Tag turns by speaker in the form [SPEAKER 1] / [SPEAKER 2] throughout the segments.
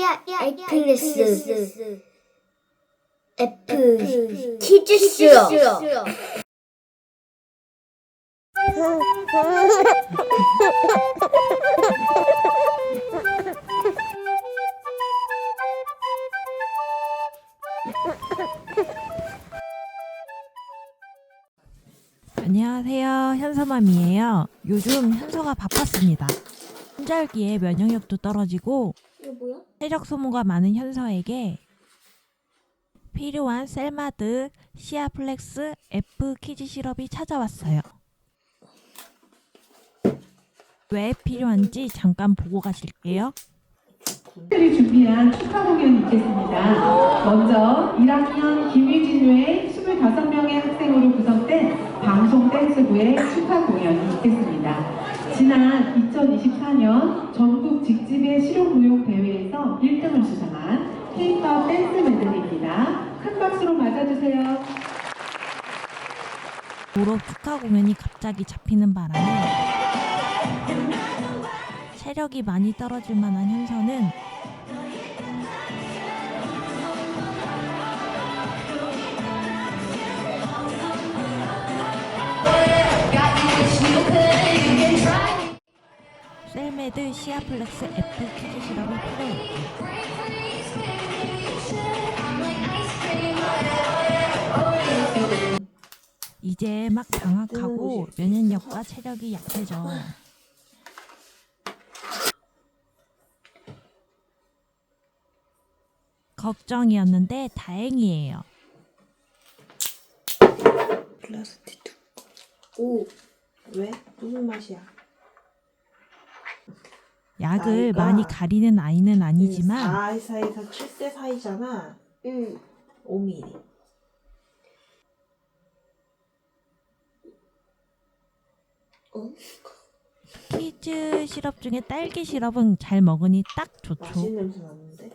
[SPEAKER 1] 에이플레스 F 키즈 수업.
[SPEAKER 2] 안녕하세요, 현서맘이에요. 요즘 현서가 바빴습니다. 환절기에 면역력도 떨어지고
[SPEAKER 1] 이거 뭐야?
[SPEAKER 2] 체력 소모가 많은 현서에게 필요한 셀마드 시아플렉스 F 키즈 시럽이 찾아왔어요. 왜 필요한지 잠깐 보고 가실게요.
[SPEAKER 3] 특별히 준비한 축하 공연이 있겠습니다. 먼저 1학년 김유진의 25명의 학생으로 구성된 방송 댄스부의 축하 공연이 있겠습니다. 지난 2024년 전국 직집의 실용무용 대회에서 1등을 수상한 K-pop 댄스 메들리입니다. 큰 박수로 맞아주세요.
[SPEAKER 2] 졸업 축하 공연이 갑자기 잡히는 바람에 체력이 많이 떨어질 만한 현서는 셀메드 시아플렉스 F 키즈 시럽이 필요했고 이제 막 방학하고 면역력과 체력이 약해져. 걱정이었는데 다행이에요.
[SPEAKER 4] 플라스틱 오, 왜? 무슨 맛이야?
[SPEAKER 2] 약을
[SPEAKER 4] 나이가
[SPEAKER 2] 많이 가리는 아이는 아니지만
[SPEAKER 4] 4살에서 7세 사이잖아. 5mm.
[SPEAKER 2] 키즈 시럽 중에 딸기 시럽은 잘 먹으니 딱 좋죠.
[SPEAKER 4] 맛있는 냄새 나는데?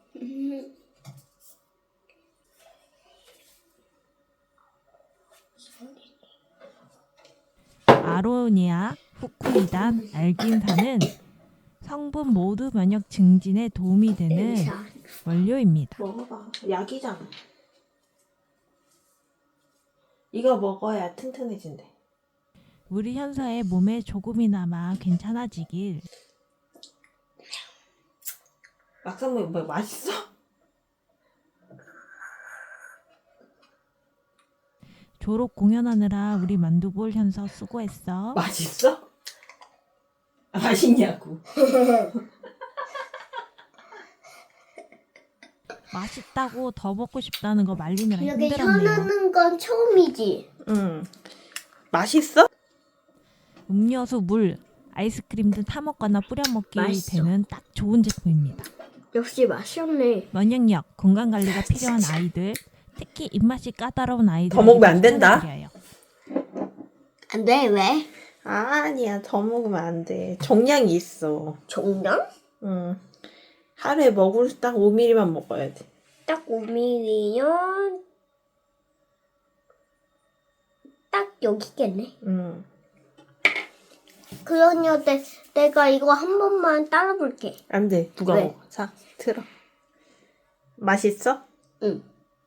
[SPEAKER 2] 아로니아, 후쿠이단, 알긴산은 성분 모두 면역 증진에 도움이 되는 원료입니다.
[SPEAKER 4] 먹어봐. 약이잖아. 이거 먹어야 튼튼해진대.
[SPEAKER 2] 우리 현서의 몸에 조금이나마 괜찮아지길.
[SPEAKER 4] 막상 먹으면 뭐 맛있어?
[SPEAKER 2] 졸업 공연하느라 우리 만두볼 현서 수고했어.
[SPEAKER 4] 맛있어? 맛있냐고.
[SPEAKER 2] 맛있다고 더 먹고 싶다는 거 말리느라
[SPEAKER 1] 이렇게
[SPEAKER 2] 힘들었네요.
[SPEAKER 1] 현하는 건 처음이지.
[SPEAKER 4] 응. 맛있어?
[SPEAKER 2] 음료수, 물, 아이스크림 등 타먹거나 뿌려 먹기
[SPEAKER 1] 맛있어.
[SPEAKER 2] 되는 딱 좋은 제품입니다.
[SPEAKER 1] 역시 맛있네.
[SPEAKER 2] 면역력, 건강관리가 필요한 아이들, 특히 입맛이 까다로운 아이들
[SPEAKER 4] 더 먹으면 안 된다?
[SPEAKER 1] 안 돼, 왜?
[SPEAKER 4] 아니야. 더 먹으면 안 돼. 정량이 있어.
[SPEAKER 1] 정량?
[SPEAKER 4] 응. 하루에 먹을 수 딱 5mm만 먹어야 돼.
[SPEAKER 1] 딱 5mm면 딱 여기겠네.
[SPEAKER 4] 응.
[SPEAKER 1] 그러냐, 내가 이거 한 번만 따라볼게.
[SPEAKER 4] 안 돼. 누가
[SPEAKER 1] 왜?
[SPEAKER 4] 먹어? 자, 들어. 맛있어?
[SPEAKER 1] 응.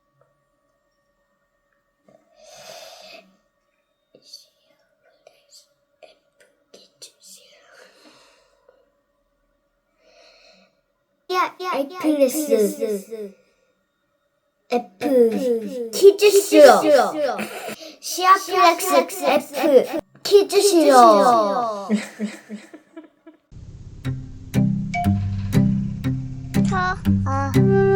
[SPEAKER 1] 에이플레스 F 키즈 수업. 시아플렉스 F 키즈 수업. 아.